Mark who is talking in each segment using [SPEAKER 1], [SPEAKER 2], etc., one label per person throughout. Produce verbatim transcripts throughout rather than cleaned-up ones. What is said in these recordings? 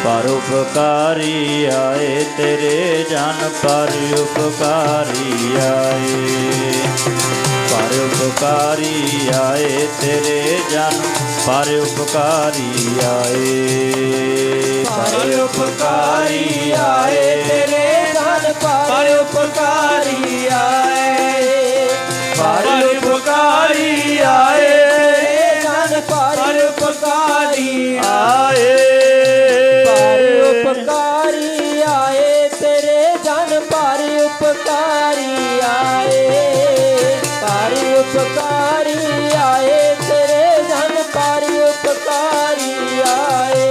[SPEAKER 1] पर उपकारी आए तेरे जन पर उपकारी आए पर उपकारी आए तेरे जन पर उपकारी आए
[SPEAKER 2] पर उपकारी आए तेरे जन पर उपकारी आए पर उपकारी आए तेरे जन पर उपकारी
[SPEAKER 1] आए
[SPEAKER 2] पर उपकारी आए तेरे जन पर उपकारी आए पर उपकारी आए तेरे जन पर उपकारी आए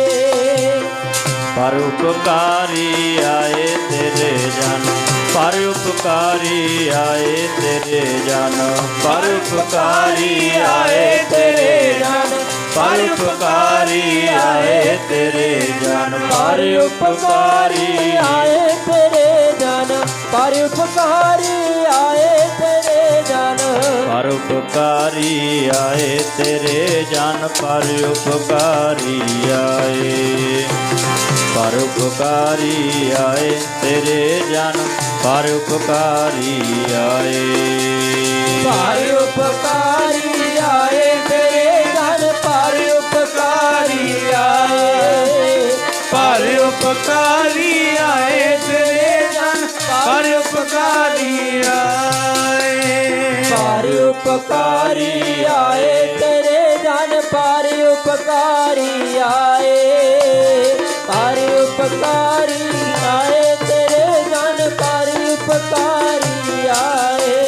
[SPEAKER 1] पर उपकारी आए तेरे जन पर उपकारी आए तेरे जन पर उपकारी आए तेरे जन पर उपकारी आए तेरे जन पर उपकारी
[SPEAKER 2] आए तेरे जन पर उपकारी आए तेरे जन
[SPEAKER 1] पर उपकारी आए तेरे जन पर उपकारी आए पर उपकारी आए तेरे जन पर उपकारी आए
[SPEAKER 2] पर उपकारी आए तेरे जन पर उपकारी आए पर उपकारी आए तेरे जन पर उपकारी आए पर उपकारी आए तेरे जन पर उपकारी आए पर उपकारी आए तेरे जन पर उपकारी आए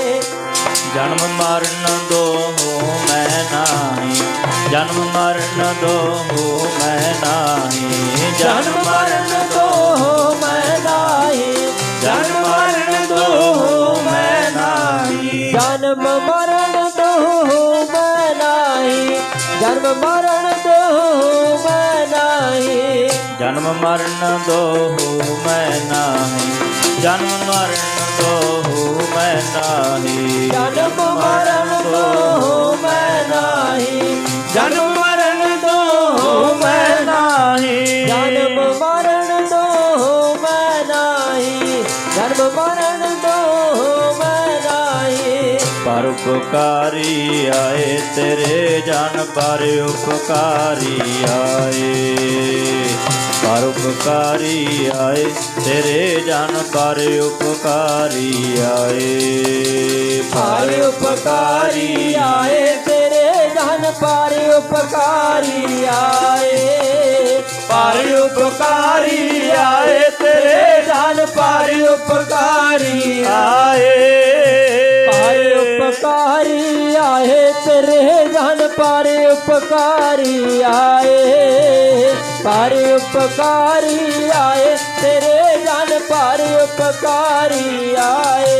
[SPEAKER 1] जन्म मरण दो हो मैं नाही जन्म मरण दो हो मैं नाही
[SPEAKER 2] जन्म मरण दो हो मैं नाही
[SPEAKER 1] जन्म मरण दो हो मैं नाही
[SPEAKER 2] जन्म मरण दो हो मैं नाही जन्म मरण दो हो मैं नाही
[SPEAKER 1] जन्म मरण दो हो मैं नाही जन्म मरण दो हो मैं नाही
[SPEAKER 2] जन्म मरण दो हो मैं नाही जन्म मरण दो हो मैं नाही जन्म मरण दो हो मैं नाही जन्म मरण दो हो मैं नाही
[SPEAKER 1] पर उपकारी आए तेरे जन पर उपकारी आए पर उपकारी आए तेरे जन पर उपकारी आए
[SPEAKER 2] पर उपकारी आए तेरे जन पर उपकारी आए पर उपकारी आए तेरे जन पर उपकारी
[SPEAKER 1] आए
[SPEAKER 2] पर उपकारी आए तेरे जन पर उपकारी आए पर उपकारी आए तेरे जन पर उपकारी आए